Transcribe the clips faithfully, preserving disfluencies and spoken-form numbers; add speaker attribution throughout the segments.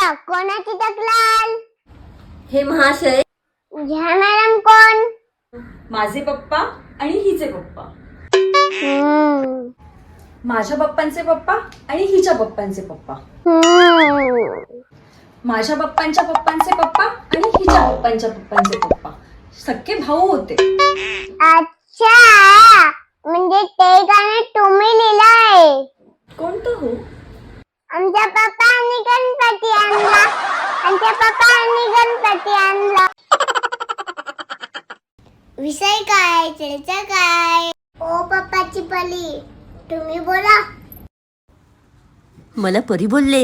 Speaker 1: कोणाची तक्रार?
Speaker 2: हे महाशय,
Speaker 1: ह्या मॅडम कोण?
Speaker 3: माझे पप्पा आणि हिचे पप्पा.
Speaker 1: हम्म.
Speaker 3: माझ्या पप्पांचे पप्पा आणि हिच्या पप्पांचे पप्पा.
Speaker 1: हम्म.
Speaker 3: माझ्या पप्पांच्या पप्पांचे पप्पा आणि हिच्या पप्पांच्या पप्पांचे पप्पा सख्खे भाऊ होते.
Speaker 1: अच्छा, म्हणजे ते गाणं तुम्ही लिहिलंय?
Speaker 3: कोणतं हो?
Speaker 1: आमच्या पप्पांनी गणपती आणला, आमच्या पप्पांनी गणपती आणला. विषय काय, चर्चा काय? ओ पप्पाची पली, तुम्ही बोला.
Speaker 2: मला परी बोलले.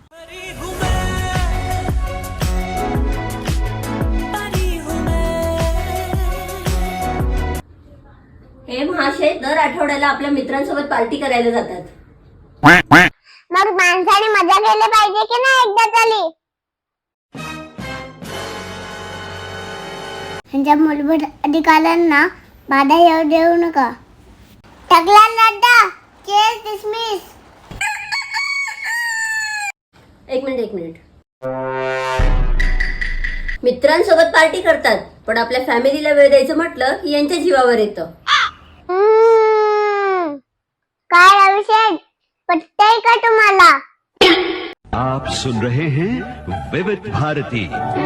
Speaker 2: हे महाशय दर आठवड्याला आपल्या मित्रांसोबत पार्टी करायला जातात.
Speaker 1: मग माणसाने मजा केली पाहिजे की नाही एकदा तरी? त्यांच्या मूलभूत अधिकारांना बाधा येऊ देऊ नका. तक्रार रद्द. Case dismiss.
Speaker 2: एक मिनिट एक मिनिट मित्रांसोबत पार्टी करतात, पण आपल्या फॅमिलीला वेळ द्यायचं म्हटलं की यांच्या जीवावर येतं.
Speaker 1: हम्म. काय अभिषेक, पटतंय का तुम्हाला?
Speaker 4: आप सुन रहे हैं विविध भारती.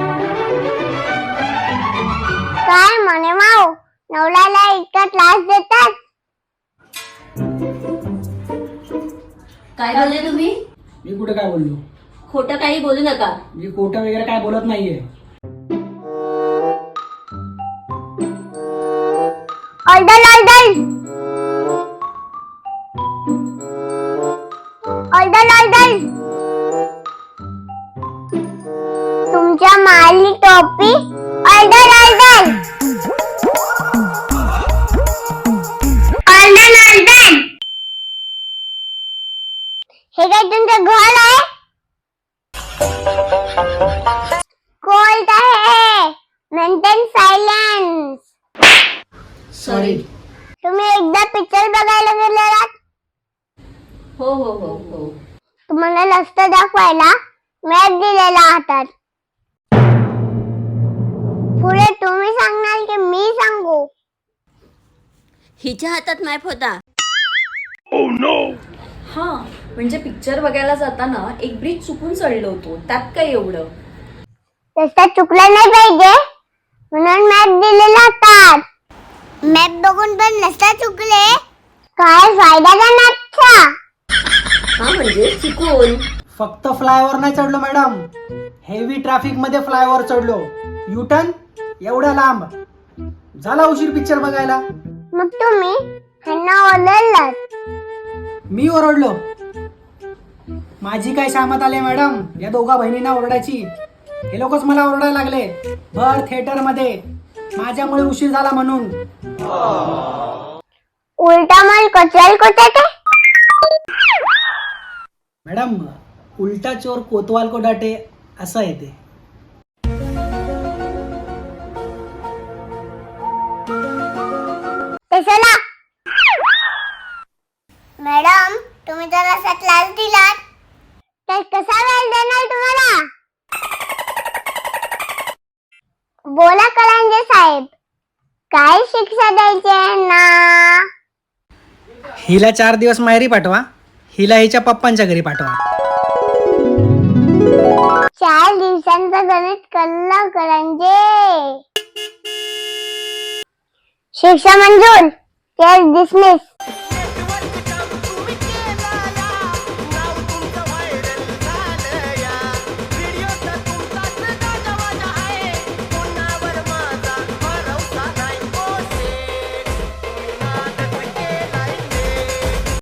Speaker 1: काय म्हणे माऊ, नवऱ्याला इतका त्रास देतात?
Speaker 2: काय बोलले तुम्ही?
Speaker 5: मी कुठे काय बोललो?
Speaker 2: खोटं काही बोलू नका.
Speaker 5: मी खोटं वगैरे काय बोलत नाहीये.
Speaker 1: Order order order order. तुमच्या माली टोपी. Order order order order. हे काय तुमचं घर आहे? कोर्ट आहे. Maintain silence.
Speaker 2: सॉरी.
Speaker 1: तुम्ही एकदा पिक्चर बघायला गेलेलात?
Speaker 2: हो हो हो हो
Speaker 1: तुम्हाला लस्त दाखवायला मॅप दिलेला हातात. पुढे तुम्ही सांगणार की मी सांगू?
Speaker 2: हिच्या हातात मॅप होता.
Speaker 3: हा, म्हणजे पिक्चर बघायला जाताना एक ब्रिज चुकून चढलो होतो, त्यात काय एवढं.
Speaker 1: तसं चुकलं नाही पाहिजे म्हणून मॅप दिलेला हातात. मॅप बघून पण नसता चुकले. काय फायदा का मॅपचा?
Speaker 2: हा म्हणजे चुकून.
Speaker 5: फक्त फ्लायओव्हर नाही चढलो मॅडम, हेवी ट्रॅफिक मध्ये फ्लायओव्हर चढलो. युटर्न एवढ्या लांब. झाला उशीर पिक्चर बघायला.
Speaker 1: मग तुम्ही ह्यांना ओरडलात?
Speaker 5: मी ओरडलो? माझी काय शामत आले मॅडम या दोघा बहिणींना ओरडायची? हे लोकच मला ओरडायला लागले भर थिएटर मध्ये, माझ्यामुळे उशीर झाला म्हणून.
Speaker 1: उलटा माल कचल कोटाटे.
Speaker 5: मॅडम, उलटा चोर कोतवाल को डाटे असं येते.
Speaker 1: चला मॅडम, तुम्ही जर असा क्लास दिलात तर कसा वेळ देणार तुम्हाला? बोला कलांजे साहेब, काय शिक्षा द्यायची आहे ना?
Speaker 5: हिला चार दिवस माहेरी पाठवा, हिला हिच्या पप्पांच्या घरी पाठवा.
Speaker 1: चार दिवसांचं गणित कल्ला कलांजे. शिक्षा मंजूर. Case dismiss.